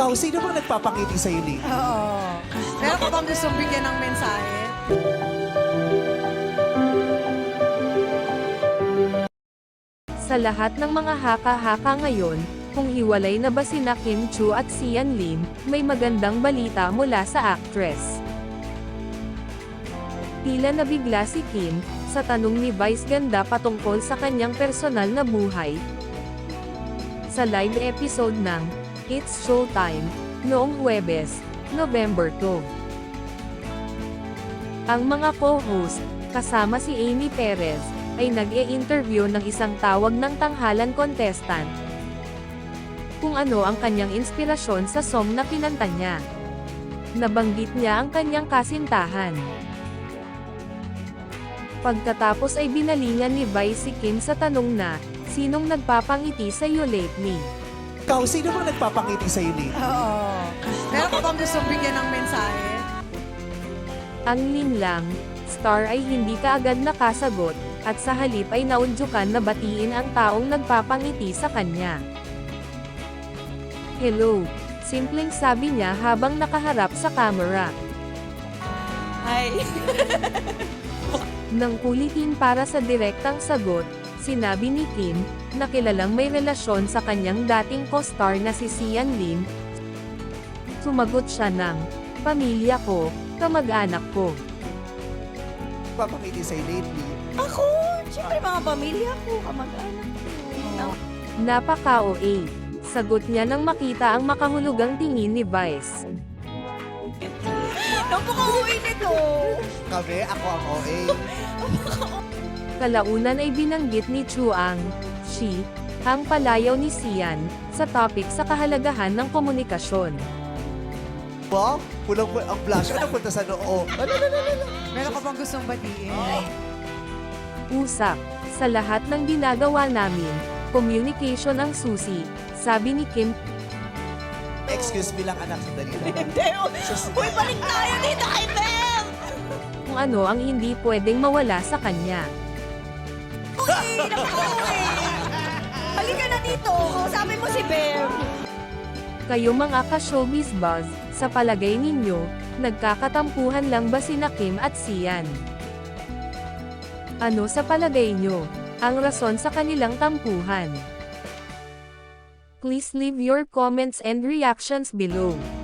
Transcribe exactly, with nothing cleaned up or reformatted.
Ikaw, sino bang nagpapangiti sa'yo, Lee? Oo. Meron ka bang gustong bigyan ng mensahe? Sa lahat ng mga haka-haka ngayon, kung hiwalay na ba sina Kim Chu at Sian Lim, may magandang balita mula sa actress. Tila nabigla si Kim, sa tanong ni Vice Ganda patungkol sa kanyang personal na buhay. Sa live episode ng It's Showtime, noong Huwebes, November two. Ang mga co-host, kasama si Amy Perez, ay nag-e-interview ng isang tawag ng tanghalan contestant. Kung ano ang kanyang inspirasyon sa song na kinanta niya. Nabanggit niya ang kanyang kasintahan. Pagkatapos ay binalingan ni Vice si Kim sa tanong na, sinong nagpapangiti sa iyo lately? Ikaw, sino bang nagpapangiti sa'yo, Lee? Oo. Meron ka bang gustong bigyan ng mensahe? Ang linlang, star ay hindi kaagad nakasagot, at sa halip ay naudyukan na batiin ang taong nagpapangiti sa kanya. Hello, simpleng sabi niya habang nakaharap sa camera. Hi. Nang kulitin para sa direktang sagot, sinabi ni Kim, na kilalang may relasyon sa kanyang dating co-star na si Sian Lim. Sumagot siya ng, pamilya ko, kamag-anak ko. Nagpapangiti sa'yo lately. Ako, siyempre mga pamilya ko, kamag-anak ko. Napaka-O A. Sagot niya nang makita ang makahulugang tingin ni Vice. Napaka-uwi nito. Kami, ako ang O A. Kalaunan ay binanggit ni Chu ang, she, ang palayaw ni Sian, sa topic sa kahalagahan ng komunikasyon. Wow, pulang po ang blush. Ano punta sa noo? Meron ka bang gustong batiin? Usap, sa lahat ng ginagawa namin, communication ang susi, sabi ni Kim. Excuse me lang, anak. Sandali lang. Hindi, uy, balik tayo dito kay Bem! Kung ano ang hindi pwedeng mawala sa kanya. Uy, napaka-uwi! Halika na dito, kausapin mo si Bem. Kayo mga ka-showbiz buzz, sa palagay ninyo, nagkakatampuhan lang ba sina Kim at Sian? Ano sa palagay nyo, ang rason sa kanilang tampuhan? Please leave your comments and reactions below.